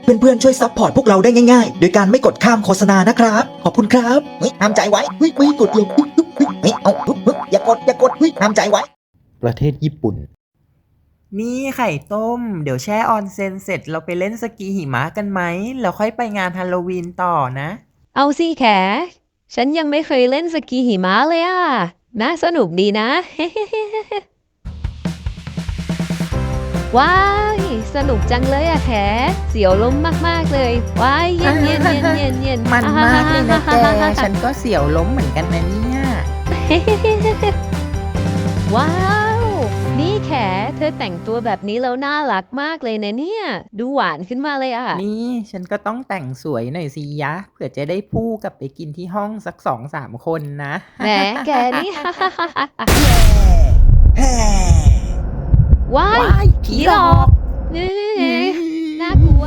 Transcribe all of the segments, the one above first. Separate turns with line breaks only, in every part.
เพื่อนๆช่วยซัพพอร์ตพวกเราได้ง่ายๆโดยการไม่กดข้ามโฆษณานะครับขอบคุณครับเฮ้ยห้ามใจไว้เฮ้ยไม่กดเลยเฮ้ยเอาอย่ากดเฮ้ยห้ามใจไว้
ประเทศญี่ปุ่น
นี่ไข่ต้ม เดี๋ยวแช่ออนเซ็นเสร็จเราไปเล่นสกีหิมะกันไหม แล้วค่อยไปงานฮาโลวีนต่อนะ
เอาสิแขฉันยังไม่เคยเล่นสกีหิมะเลยอ่ะน่าสนุกดีนะ ว้ายสนุกจังเลยอะแขเสียวล้มมากๆเลยว้ายเย็นเย็นเย็นเย็นเย็น
มันมากเลยนะแก ฉันก็เสียวล้มเหมือนกันนะเนี่ย
ว้าว นี่แขเธอแต่งตัวแบบนี้แล้วน่ารักมากเลยนะเนี่ย ดูหวานขึ้นมาเลยอะ
นี่ฉันก็ต้องแต่งสวยหน่อยสิยะ เผื่อจะได้พู่กลับไปกินที่ห้องสัก2-3 คนนะ
แหมแกนี่ ว้าย
ว้ายผีหลอก
น่ากลัว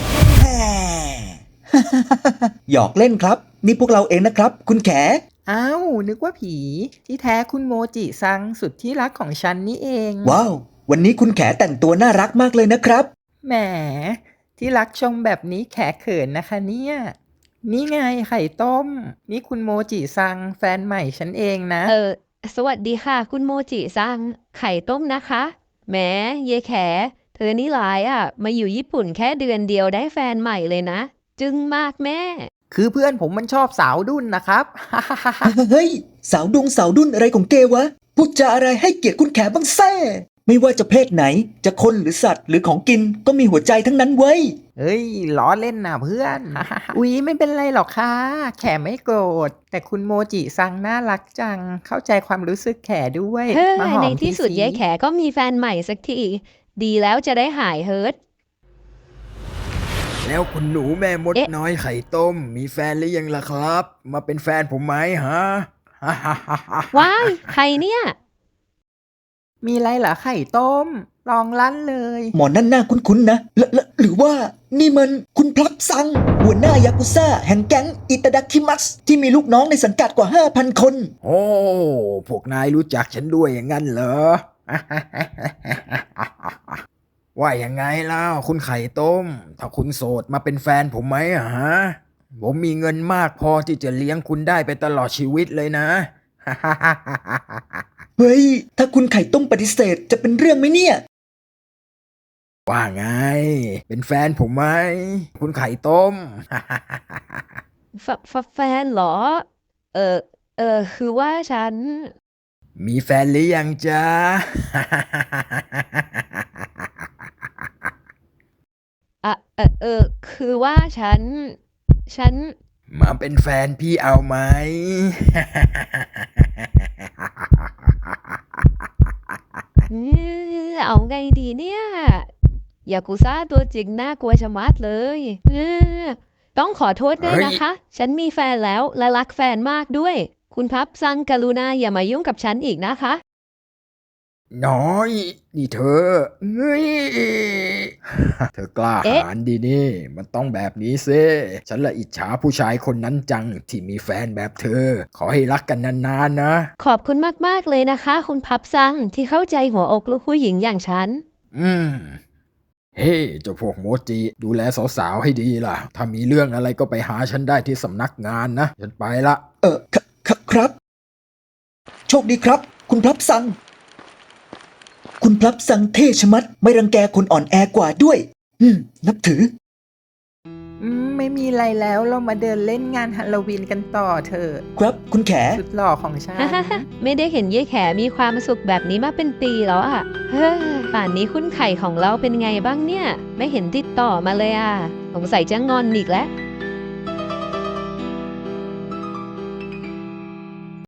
หยอกเล่นครับนี่พวกเราเองนะครับคุณแข
อ้าว นึกว่าผีที่แท้คุณโมจิซังสุดที่รักของฉันนี่เอง
ว้าววันนี้คุณแขแต่งตัวน่ารักมากเลยนะครับ
แหมที่รักชมแบบนี้แขเขินนะคะเนี่ย นี่ไงไข่ต้ม นี่คุณโมจิซังแฟนใหม่ฉันเองนะ
สวัสดีค่ะ คุณโมจิซังไข่ต้มนะคะแหมเยแข เธอนี่หลายอ่ะ มาอยู่ญี่ปุ่นแค่เดือนเดียวได้แฟนใหม่เลยนะ จึงมากแม่
คือเพื่อนผมมันชอบสาวดุ้นนะครับ
เฮ้ยสาวดุ้นอะไรของเกวะพูดจาอะไรให้เกียรติคุณแขบ้างแซ่ไม่ว่าจะเพศไหนจะคนหรือสัตว์หรือของกินก็มีหัวใจทั้งนั้นเว้ย
เฮ้ยล้อเล่นนะเพื่อน อุ๊ยไม่เป็นไรหรอกค่ะ แขไม่โกรธ แต่คุณโมจิซังน่ารักจัง เข้าใจความรู้สึกแขด้วย
เฮ้ย
มาหอม
ในที่สุด
สิ
ยายแขก็มีแฟนใหม่สักที ดีแล้วจะได้หายเฮิร์ต
แล้วคุณหนูแม่มด
เอ๊ะ
น้อยไข่ต้ม มีแฟนหรือยังล่ะครับ มาเป็นแฟนผมไหมฮะ
ว้ายใครเนี่ย
มีอะไรเหรอไข่ต้ม ลองลั่นเลย
หมอนั่นหน้าคุ้นๆนะหรือว่านี่มันคุณพลับซัง หัวหน้ายากุซ่าแห่งแก๊งอิตาดาคิมัสที่มีลูกน้องในสังกัดกว่า 5,000 คน
โอ้ พวกนายรู้จักฉันด้วยอย่างนั้นเหรอ ว่ายังไงเล่าคุณไข่ต้ม ถ้าคุณโสดมาเป็นแฟนผมไหมอะฮะ ผมมีเงินมากพอที่จะเลี้ยงคุณได้ไปตลอดชีวิตเลยนะ
เฮ้ย ถ้าคุณไข่ต้มปฏิเสธจะเป็นเรื่องไหมเนี่ย
ว่าไง เป็นแฟนผมไหม คุณไข่ต้ม
แฟนเหรอ คือว่าฉัน
มีแฟนหรือยังจ๊ะ
คือว่าฉัน
มาเป็นแฟนพี่เอาไหม
เอาไงดีเนี่ย ยากุซ่าตัวจริงน่ากลัวชะมัดเลยต้องขอโทษด้วยนะคะ ฉันมีแฟนแล้วและรักแฟนมากด้วย คุณพับซังกรุณาอย่ามายุ่งกับฉันอีกนะคะ
น้อย นี่เธอเฮ้ย เธอกล้า
เอ๊ะ
หาญดีนี่ มันต้องแบบนี้เซ่ฉันละอิจฉาผู้ชายคนนั้นจังที่มีแฟนแบบเธอ ขอให้รักกันนานๆนะ
ขอบคุณมากๆเลยนะคะ คุณพับซังที่เข้าใจหัวอกลูกผู้หญิงอย่างฉัน
เฮ้เจ้าพวกโมจิ ดูแลสาวๆให้ดีล่ะ ถ้ามีเรื่องอะไรก็ไปหาฉันได้ที่สำนักงานนะ ฉันไปละ
ครับ โชคดีครับ คุณพลับซัง คุณพลับซังเท่ชะมัดไม่รังแกคนอ่อนแอกว่าด้วย นับถือ
ไม่มีอะไรแล้วเรามาเดินเล่นงานฮาโลวีนกันต่อเถอะ
ครับคุณแข
สุดหล่อของฉัน
ไม่ได้เห็นยายแขมีความสุขแบบนี้มาเป็นปีแล้วอ่ะเฮ้ยป่านนี้คุณไข่ของเราเป็นไงบ้างเนี่ย ไม่เห็นติดต่อมาเลยอ่ะสงสัยจะงอนอีกแล้ว